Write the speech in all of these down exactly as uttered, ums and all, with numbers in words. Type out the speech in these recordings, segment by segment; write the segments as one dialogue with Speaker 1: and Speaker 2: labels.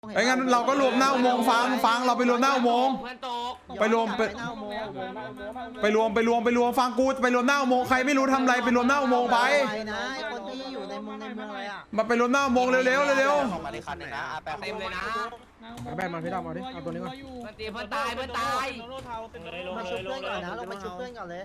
Speaker 1: ไอ้งั้นเราก็รวมหน้าอุโมงค์ฟังฟังเราไปรวมหน้าอุโมงค์ไปรวมไปไปรวมไปรวมไปรวมฟังกูไปรวมหน้าอุโมงค์ใครไม่รู้ทำอะไรไปรวมหน้าอุโมงค์ไป
Speaker 2: นะคนที่อยู่ในเมืองในเมืองอะไรอ่ะ
Speaker 1: มาไปรวมหน้าอุโมงค์เร็วๆเร็ว
Speaker 3: มาในคันหนึ่งนะแปะเต็มเลยนะ
Speaker 4: แบนมาพี่ดำมาดิเอาตัวนี้ก่อน
Speaker 3: เพื่อนตีเพื่อนตายเพื่อนตาย
Speaker 2: มาชุบเพื่อนก่อนนะเรามาชุบเพื่อนก่อนเลย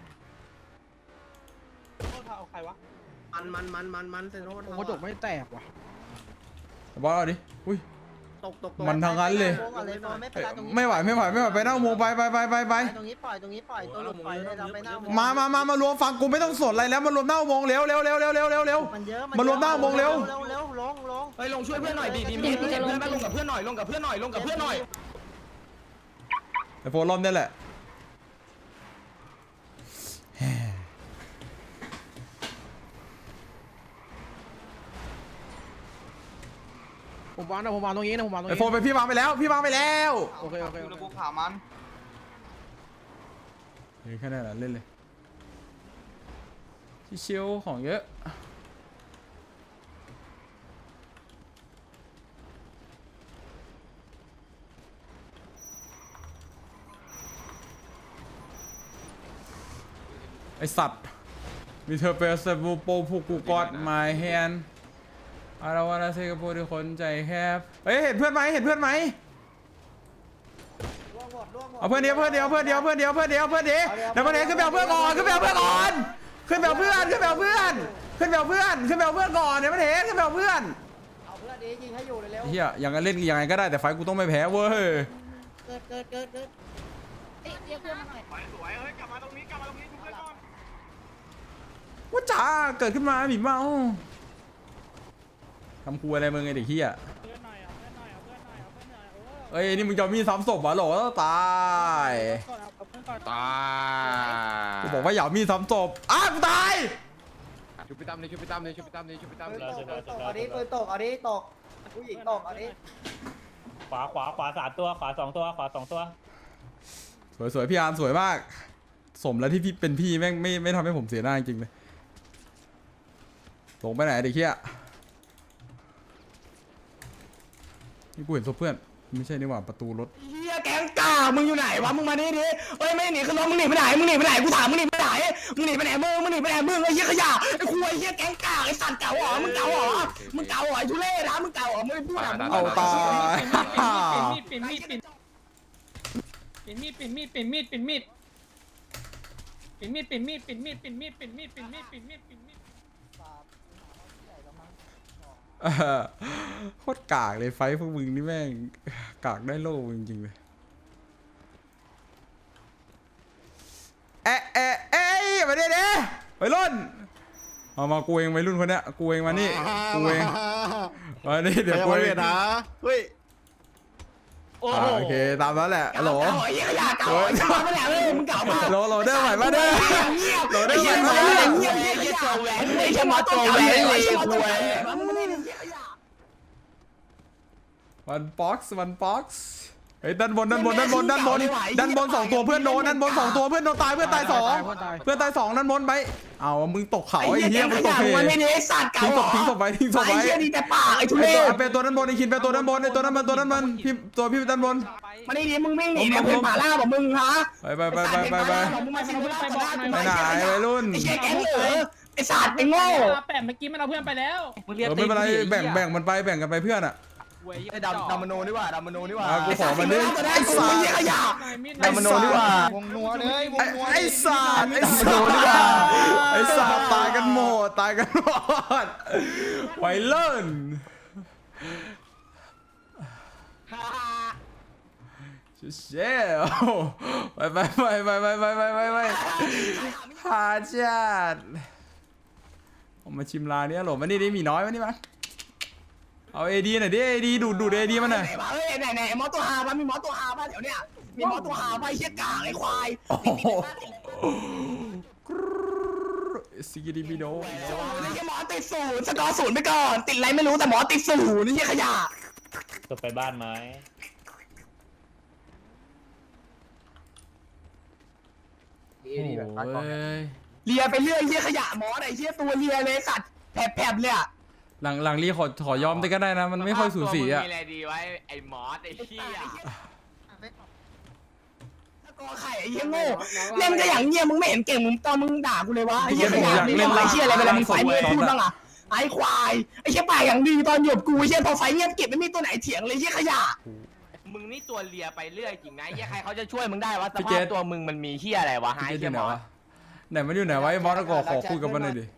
Speaker 3: มันมันมันมันมันเซโร่
Speaker 4: กระจกไม่แตกว่ะ
Speaker 1: บอสเอาดิอุ้ย
Speaker 3: ตกตก
Speaker 1: มันทางนั้นเลยไม่ไหวไม่ไหวไม่ไหวไปหน้าอุโมงค์ไปไปไปไปไป
Speaker 2: ตรงนี้ปล่อยตรงนี้ปล่อยตัวหลุดปล่อยเลยเราไปหน้า
Speaker 1: มามา มามารวมฟังกูไม่ต้องสนอะไรแล้วมารวมหน้าอุโมงค์เร็วเร็วเร็วเร็วเร็วเร็วเร็ว
Speaker 2: มันเยอะ
Speaker 1: มารวมหน้าอุโมงค์เร็ว
Speaker 2: เร็วเร็วลงลง
Speaker 3: เฮ้ยลงช่วยเพื่อนหน่อยดีดีมีเพื่อนเพื่อนลงกับเพื่อนหน่อยลงกับเพื่อนหน่อยลงกับเพื่อนหน่อย
Speaker 1: ไอ้โฟลอมนี่แหละ
Speaker 4: ผมวางนะผมวางตรงนี้นะผมวางตรง
Speaker 1: ไอ้
Speaker 4: นี้
Speaker 1: โฟไปพี่วางไปแล้วพี่วางไปแล้ว
Speaker 4: โอเคโอเค
Speaker 3: ระบุขามัน
Speaker 1: นี่แค่นั้นแหละเล่นเลยชิวๆของเยอะไอสัตว์มีเธอเป็นสบูโปผูกกูกอดไมแฮนอาราวานาเซกโปที่คนใจแคบเฮ้ยเห็นเพื่อนไหมเห็นเพื่อนไหมเอาเพื่อนเดียวเพื่อนเดียวเพื่อนเดียวเพื่อนเดียวเพื่อนเดียวเพื่อนเดียวเดี๋ยวเพื่อนเดียวขึ้นไปเอาเพื่อนก่อนขึ้นไปเอาเพื่อนก่อนขึ้นไปเอาเพื่อนขึ้นไปเอาเพื่อนขึ้นไปเอาเพื่อนขึ้นไปเอาเพื่อนก่อนเดี๋ยวเพื่อนเห็นขึ้นไปเอาเพื่อน
Speaker 2: เอาเพื่อนดียิงให้อยู่เร็ว
Speaker 1: เฮียยังไงเล่นยังไงก็ได้แต่ไฟกูต้องไม่แพ้เว้ย
Speaker 2: เกิดเกิดเกิดเกิดเรียกเพื่อนมาหน่อย
Speaker 3: สวยเฮ้ยกลับมาตรงนี้กลับมาตรงนี้ทุกเพื่อนก่อน
Speaker 1: ว่าจ๋าเกิดขึ้นมาหมีเมาทำครัวอะไรมึงไอเด็กเฮียเอ้ยนี่มึงจะมีซ้ำศพเหรอหรอตายตายกูบอกว่าอย่ามีซ้ำศพอ้าวกูตาย
Speaker 4: ชุบพี่ตั้มเลยชุบพี่ตั้มเลยชุบพี่ตั้มเลยชุบพี่ตั้ม
Speaker 2: ปื
Speaker 4: เล
Speaker 2: น
Speaker 4: ย
Speaker 2: ตกปืนตกเอาดิปืนตกเอาดิตกผู้หญิงตกเอาดิ
Speaker 5: ขวาขวาขวาสามตัวขวาสองตัวขวาสองตัว
Speaker 1: สวยสวยพี่อาร์มสวยมากสมแล้วที่พี่เป็นพี่แม่งไม่ไม่ทำให้ผมเสียหน้าจริงเลยลงไปไหนเด็กเฮียนี่กูเห็นศพเพื่อนไม่ใช่นี่หว่าประตูรถ
Speaker 3: เฮียแก๊งกามึงอยู่ไหนวะมึงมาดิดิเฮ้ยไม่หนีขึ้นรถมึงหนีไปไหนมึงหนีไปไหนกูถามมึงหนีไปไหนมึงหนีไปไหนมึงมึงหนีไปไหนมึงไอ้เหี้ยขยะไอ้คุยเหี้ยแก๊งกาไอ้สัตว์เก่าเหรอมึงเก่าเหรอมึงเก่าเหรอไอ้ทุเรศนะมึงเก่าเหรอมึงพูดอ่ะมึง
Speaker 1: เอาตาย
Speaker 5: ปิ่นมีดปิ่นมีดปิ่นมีดปิ่นมีดปิ่นมีดปิ่นมีดปิ่นมีดปิ่นมีดปิ่นมีดปิ่นมีดปิ่นมีดปิ่นมีดปิ่นมีด
Speaker 1: เออโคตรกากเลยไฟพวกมึงนี่แม่งกากได้โล่จริงๆเลยเอ๊ะเอ๊ะเอ๊ะมาเด้เด้ไปรุ่นเอามากูเองไปรุ่นคนเนี้ยกูเองมานี่กูเองมานี่เดี๋ยวกูเองนะ
Speaker 3: เฮ้ย
Speaker 1: โอเคตามนั้นแหละฮัลโหล
Speaker 3: เก่าไอ้เหี้ยขยะเก่าไอ้สัตว์ไม่แหละเลยมึงเก่ามาก
Speaker 1: โหลโหลเด้อไหวมาเด้อโหลเด้อไหวมา
Speaker 3: เงี
Speaker 1: เด้
Speaker 3: ย
Speaker 1: อบ
Speaker 3: เงียบเงียบเงียบตัวแหวนไม่ใช่มาตัวแหวนเลยคุยมึงไม่ได้เหี้ยขยะ
Speaker 1: วันบ็อกซ์วันบ็อกซ์เฮ้ยด้านบนด้านบนด้านบนด้านบนด้านบนสองตัวเพื่อนโดนด้านบนสองตัวเพื่อนโดนตายเพื่อนตายสองเพื่อนตายสองด้านบนไปเอามึงตกเขาไอ้เหี้ยมึงตกเพ
Speaker 3: มันไม่ได้สัตว์เก่า
Speaker 1: ทิ้งศพทิ้งศพไว้ทิ้งศพ
Speaker 3: ไอ้
Speaker 1: ไว้
Speaker 3: เหี้ยดีแต่ปากไอ้ทุเรศ
Speaker 1: เป็นตัวด้านบนไอ้คินเป็นตัวด้านบนไอ้ตัวด้านบนตัวด้านบนพี่ตัวพี่ด้านบน
Speaker 3: มันนี่ดีมึงไม่หนีเนี่ยเป็นป่าล่าบอกมึงฮะ
Speaker 1: ไปไปไปไปไปไป
Speaker 3: มึงมาสิมึงไปบอก
Speaker 1: ไปไหนวัยรุ่น
Speaker 3: ไอ้เหี้ยแก๊งเหลือไอ้สัตว์ไอ้โง่
Speaker 5: แปะเมื่อกี้มันเอาเพื่อนไปแล้ว
Speaker 1: เออไม่เป็นไรแบ่งแบ่งมันไปแบ่งกันไปเพื่อนอ่ะ
Speaker 3: ไอ้ดำดำมโนนี่ว่าดำมโนนี่ว่า
Speaker 1: กูขอมันดิ
Speaker 3: ไอ้สัตว์ไอ้ขยะ
Speaker 1: ไอ้โนดีกว่า
Speaker 2: วงนัวเลยวงนัว
Speaker 1: ไอ้สารไอ้สารดีกว่าไอ้สารตายกันหมดตายกันหมดไวเลิ่นเชี่ยไปไปไปไปไปไปไปไปไปหาจัดผมมาชิมร้านนี้หรอมันนี่ได้มีน้อยมันนี่มั้ยเอาเอดีหน่อยดิเอดีดูดดูดเอดีมันหน่อย
Speaker 3: เฮ้ยไหนไหนหมอตัวหาป่ะมีหมอตัวหาป่ะเดี๋ยวเนี้ยมีหมอตัวหาป่ะไอ้เหี้ยกากไอ้ควาย
Speaker 1: ซิกิดิบิโด
Speaker 3: ไอ้เหี้ยหมอติดศูนย์สกอร์ศูนย์ไปก่อนติดอะไรไม่รู้แต่หมอติดศูนย์นี่เหี้ยขยะ
Speaker 5: จบไปบ้านไหม
Speaker 1: โอ้ย
Speaker 3: เลียไปเรื่อยเหี้ยขยะหมอไหนเหี้ยตัวเลียเลยสัตว์แผลบๆเลยอ่ะ
Speaker 1: หลังหลังรีขอขอยอมได้ก็ได้นะมันไม่ค่อยสูสีอ่ะ
Speaker 6: มีอะไรดีไว้ไอ้มอสไอ้เหี้ย
Speaker 3: กอไข่ไอ้เหี้ยโง่เล่นก็อย่างเงี้ยมึงไม่เห็นเก่งมึงตอนมึงด่ากูเลยวะไอ้เหี้ยขยะมึงทำไรเชี่ยอะไรเวลามึงไฟมึงพูดบ้างอะไอ้ควายไอ้เชี่ยปากอย่างดีตอนหยบกูไอ้เชี่ยพอไฟเงียบเก็บไม่มีตัวไหนเถียงเลยเชี่ยขยะ
Speaker 6: มึงนี่ตัวเลียไปเรื่อยจริงนะไอ้เหี้ยใครเขาจะช่วยมึงได้วะส
Speaker 1: พี่
Speaker 6: ภา
Speaker 1: เจ
Speaker 6: พ
Speaker 1: ษ
Speaker 6: ตัวมึงมันมีเหี้ยอะไรวะ
Speaker 1: พี่
Speaker 6: หาย
Speaker 1: เกตอ
Speaker 6: เหี้ย
Speaker 1: ยู่ไหน
Speaker 6: มอส
Speaker 1: วะไหนมันอยู่ไหนวะไอ้มอสก็ขอคุยกับมันหน่อยดิ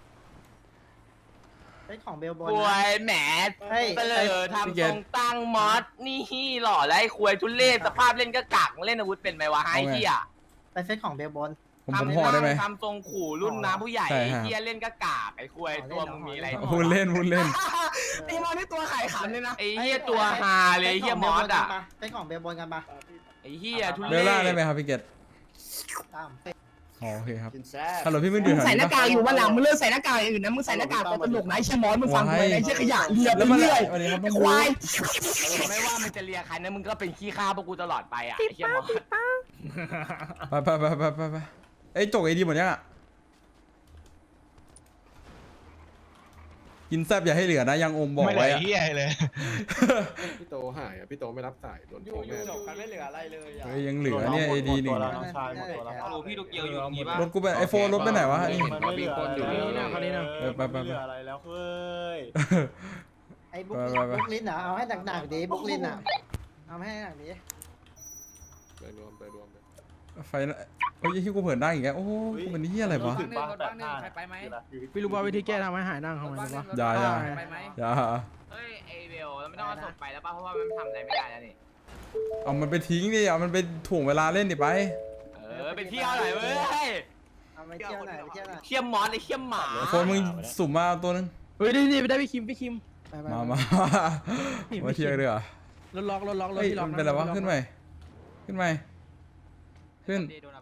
Speaker 2: ไอ้ของเบลบอล
Speaker 6: ควยแหม
Speaker 2: เฮ้ย
Speaker 6: เตลอทำทรงตั้งมอสนี่หล่อแล้วไอ้ควยทุเรศสภาพเล่นก็กักเล่นอาวุธเป็นไหมวะหายเหี้ย
Speaker 2: ไปเซตของเบลบอล
Speaker 1: ผมผมห่อได้ไหม
Speaker 6: ทำทรงขู่รุ่นน้าผู้ใหญ่
Speaker 1: ใช่
Speaker 6: ไอ้
Speaker 1: ฮะ
Speaker 6: เหี้ยเล่นก็กากไอ้ควยตัวมึงมีอะไร
Speaker 1: พูดเล่นพูดเล่น
Speaker 3: ไอ้มอนี่ตัวไข่ขันเลยนะ
Speaker 6: ไอ้เหี้ยตัวฮาเลยไอ้เหี้ยมอสอ่ะ
Speaker 2: เซตของเบลบอลกันปะ
Speaker 6: ไอ้เหี้ยทุ
Speaker 1: เบ
Speaker 6: เร
Speaker 1: ลล่าได้
Speaker 6: ศ
Speaker 1: ไหมครับพี่เกต
Speaker 2: ตามเซต
Speaker 1: อ๋อโอเคครับฮัลโหลพี่มึงอ
Speaker 3: มึ
Speaker 1: ยู่
Speaker 3: ง
Speaker 1: แถว
Speaker 3: ใส่ห
Speaker 1: นี้
Speaker 3: น้า
Speaker 1: ปะ
Speaker 3: กากอยู่วันหลังมึงเลิกใส่หน้ากากอย่างอื่นนะมึงใส่หน้ากากตัวตลกนะไอ้เชี่ยมอสมึงฟังกูเลยไอ้เชี่ยขยะเลียไป
Speaker 1: แล้วมัน
Speaker 3: เรื่อย
Speaker 1: วันนี้ครับ
Speaker 3: ไอ้
Speaker 1: ต้อง
Speaker 3: ควาย
Speaker 6: ไม่ว่ามันจะเลียใครนะมึงก็เป็นขี้ข้าพวกกูตลอดไปอ่ะไอ้เหี้ยมอส
Speaker 1: ไปไปไปไปไปไปไอ้ยจกไอ้ดีหมดยังอ่ะกินแซบอย่าให้เหลือนะยังอมบอก
Speaker 7: ไม่ไหล
Speaker 1: ไว้อะ
Speaker 7: เฮียเลย
Speaker 8: พี่โตหายอ่ะพี่โตไม่รับสายโดนโทรแม่
Speaker 9: กันไม่เหลืออะไรเลยอ่ะ
Speaker 1: เฮ้ยยังเหลือเนี่ยไอ้ดีหนึ่ง
Speaker 9: โอ้พี่โตเกียวอยู่ตรงนี้ป่ะ
Speaker 1: รถกูไปไอโฟนรถไปไหนวะนี่
Speaker 9: มันไม่เหลืออะไร
Speaker 4: นี่นะคราวนี้นะ
Speaker 1: เออไปไปไป
Speaker 9: เหลืออะไรแล้วเฮ้ย
Speaker 2: ไอ้บุ๊ก
Speaker 1: ไปไปไป
Speaker 2: บุ๊กลินอ่ะเอาให้หนักๆดิบุ๊กลินอ่ะเอาให้หนักดิ
Speaker 8: ไปรวมไปรวมไป
Speaker 1: ไฟนะโอ้ยที่กูเผินได้อีกแล้วโอ้กูเป็นที่อะไรวะ
Speaker 9: ถึงบ้านแปดห้า
Speaker 5: ไปไหม
Speaker 4: พี่รู้ว่าวิธีแก้ทำให้หายนั่งทำไมรู้ปะ
Speaker 1: อย่าอย่า
Speaker 5: ไปไหม
Speaker 1: อย่า
Speaker 6: เฮ้ยไอเบลเราไม่ต้องเอาศพไปแล้วป่ะเพราะว่ามันทำอะไรไม่ได้แล้วนี่
Speaker 1: เอามันไปทิ้งดิเอามันไปถ่วงเวลาเล่นดิไป
Speaker 6: เออไปเที่ยวหน่อยเว้ย
Speaker 2: เอาไปเที่ยวหน่อยไปเที่ยวหน่อย
Speaker 6: เขี้ยมมอสเลยเขี้ยมหมา
Speaker 1: โฟนมึงสุ่มมาเอาตัวนึง
Speaker 4: เฮ้ยนี่นี่ไปได้พี่คิมพี่คิมไปไป
Speaker 1: มามามาเที่ยวเรือ
Speaker 4: รถล็อกรถล็อกรถ
Speaker 1: เฮ้ย
Speaker 4: ที่ล็อก
Speaker 1: มันเป็นอะไรวะขึ้นไปขึ้นไปขึ้น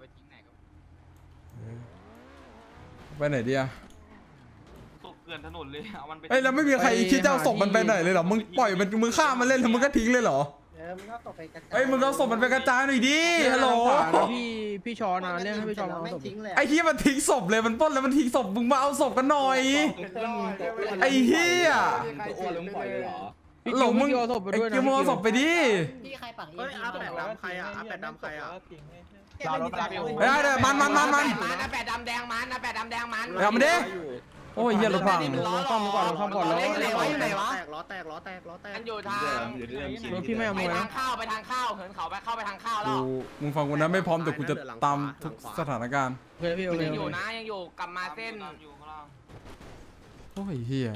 Speaker 1: ไปไหนดีอะ
Speaker 9: ตกเกลื่อนถนนเลยเอามันไป
Speaker 1: เฮ้ยแล้วไม่มีใครคิดจะเอาศพมันไปไหนเลยเหรอมึงปล่อยมันมึงฆ่ามันเล่นแล้วมึงก็ทิ้งเลยเหรอ
Speaker 2: เออมึงก็ตกไปกระจาย
Speaker 1: เฮ้ยมึงเอาศพมันไปกระจายหน่อยดิฮัลโหล
Speaker 4: พี่พี่ชอนนะเรียกให้พี่ชอนมา
Speaker 2: ไม่
Speaker 4: เอาศพ
Speaker 2: ทิ้งเลย
Speaker 1: ไอ้เฮียมันทิ้งศพเลยมันปล้นแล้วมันทิ้งศพมึงมาเอาศพกันหน่อย ไอ้เฮีย
Speaker 9: อ้วนลงปล่อยเลยเหรอ
Speaker 4: พี่
Speaker 1: หล
Speaker 4: คิว
Speaker 1: งมึง
Speaker 4: พี่คิวเอาศพไป
Speaker 1: ไอ้
Speaker 4: ด้วยนะ
Speaker 1: กิมเอาศพไปดิ
Speaker 2: พี่ใครปัก
Speaker 9: เฮ้ยอาแปดดำใครอ่ะอาแปดดำใครอ่ะ
Speaker 2: เรารถไป
Speaker 1: เฮ้ยเดี๋ยวมันมันมันมัน
Speaker 6: มันนะแปดดำแดงมันนะแปดดำแดงมัน
Speaker 1: เอามาดิโอ้ยเฮียรถพัง
Speaker 6: มันล้อหล
Speaker 4: ซ่อมก่อนซ่อมก่อนแล้ว
Speaker 6: อยู่ไหนวะอยู่ไหนวะ
Speaker 9: แตกล้อแตกล้อแตกล้อแตก
Speaker 6: มันอยู่ทาง
Speaker 4: รถพี่ไม่เอา
Speaker 6: ไป
Speaker 4: มวย
Speaker 6: ทา
Speaker 4: นะ
Speaker 6: งข้าวไปทางข้าวเหินเขาไปเข้าไปทางข้าวแล้
Speaker 1: กู
Speaker 6: ว
Speaker 1: มึงฟังกูนะไม่พร้อมแต่กูจะตามทุกสถานการณ์
Speaker 4: โอเคพี่โอเค
Speaker 6: ยัง
Speaker 4: โอ
Speaker 6: อยู่
Speaker 4: เค
Speaker 6: นะยังอยู่กลับมาเส้น
Speaker 9: อยู่ข้างล่าง
Speaker 1: โอ้ยเฮีย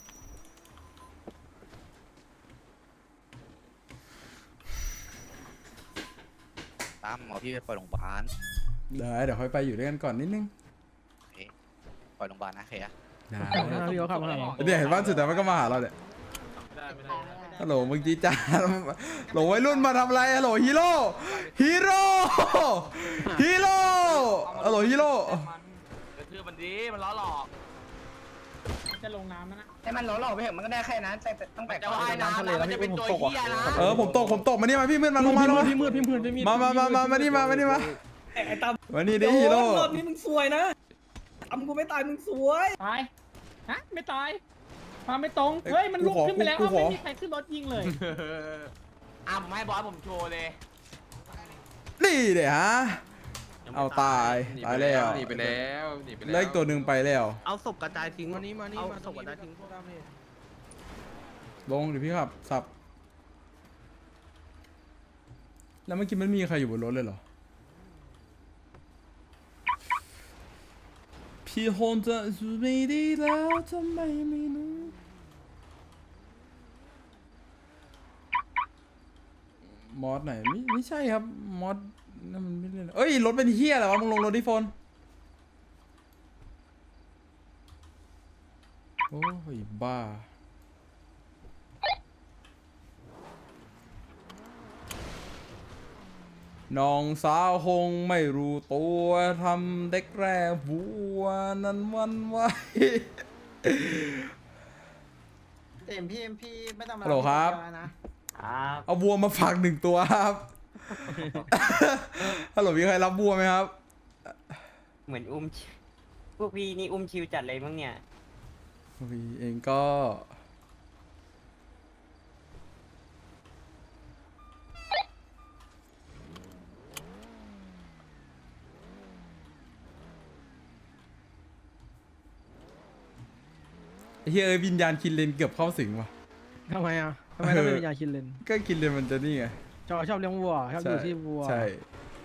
Speaker 10: ตามหมอพี่ไปปล่อยโรงพยาบาล
Speaker 1: เดี๋ยวเดี๋ยวค่อยไปอยู่ด้วยกันก่อนนิดนึง
Speaker 10: ปล่อยโรงพยาบาลนะเคยอะ
Speaker 1: ได้
Speaker 4: พี่เขาขับมาหาเรา
Speaker 1: เนี่ยเห็นว่าสุดแต่มันก็มาหาเราเนี่ย
Speaker 9: ได้ไม่ได้
Speaker 1: ฮัลโหลมึงจีจ้าโหลวัยรุ่นมาทำอะไรฮัลโหลฮีโร่ฮีโร่ฮีโร่ฮัลโหลฮีโร่
Speaker 6: กระทืบมันดีมันล้อหลอก
Speaker 5: จะลงน้ำนะ
Speaker 3: ให้มันหล่อๆไปเถอะมันก็ได้แค่นั้นแต่ตั้งแต่
Speaker 6: จะว่ายน้ำแล้วมันจะเป็นตัวเหี้ยนะ
Speaker 1: เออผมตกผมตกมานี่มาพี่มืดมาลงมาลงมา
Speaker 4: พี่มืดพี่มืดพี่มืด
Speaker 1: มามามามามานี่มามานี่มามานี่ดิฮีโร่
Speaker 5: รอบนี้มึงสวยนะทำกูไม่ตายมึงสวยตายฮะไม่ตายมาไม่ตรงเฮ้ยมันลุกขึ้นไปแล้วเอาไม่มีใครขึ้นรถยิงเลย
Speaker 6: อ่ะผมให้บอสผมโชว์เลย
Speaker 1: นี่เดี๋ยวฮะเอาตายตายแล้ว
Speaker 8: หนีไปแล้วหนีไปแล้ว
Speaker 1: เลขตัวหนึ่งไปแล้ว
Speaker 9: เอาศพกระจายทิ้ง
Speaker 4: มานี่มานี่
Speaker 9: เอา
Speaker 4: มา
Speaker 9: ศพกระจายทิ้ง
Speaker 1: ลงเดี๋ยวพี่ขับสับแล้วเมื่อกี้มันมีใครอยู่บนรถเลยเหรอพี่ฮอนจะสู้ไม่ดีแล้วทำไมไม่รู้มอสไหนไม่ไม่ใช่ครับมอสนั่นมันไม่เล่นเอ้ยรถเป็นเฮียอะไรวะมึงลงรถดิโฟนโอ้ยบ้าน้องสาวคงไม่รู้ตัวทำเด็กแร่บัวนั้นวันไหว
Speaker 2: เต็มพี่พี่ไม่ต้องมา
Speaker 1: ฮัลโหลครับ
Speaker 2: นะ
Speaker 1: เอาบัวมาฝากหนึ่งตัวครับ ฮัลโหลมีใครรับบัวไหมครับ
Speaker 11: เหมือนอุ้มชิวพวกพี่นี่อุ้มชิวจัดเลยมั้งเนี่ย
Speaker 1: วีเองก็ไอ้เฮียเอ้ยวิญญาณคินเลนเกือบเข้าสิงว่ะ
Speaker 4: ทำไมอ่ะทำไมต้องเป็นวิญญาณคินเลน
Speaker 1: ก็คินเลนมันจะนี่ไง
Speaker 4: ชอบชอบเลี้ยงวัวชอบดูที่วัว
Speaker 1: ใช่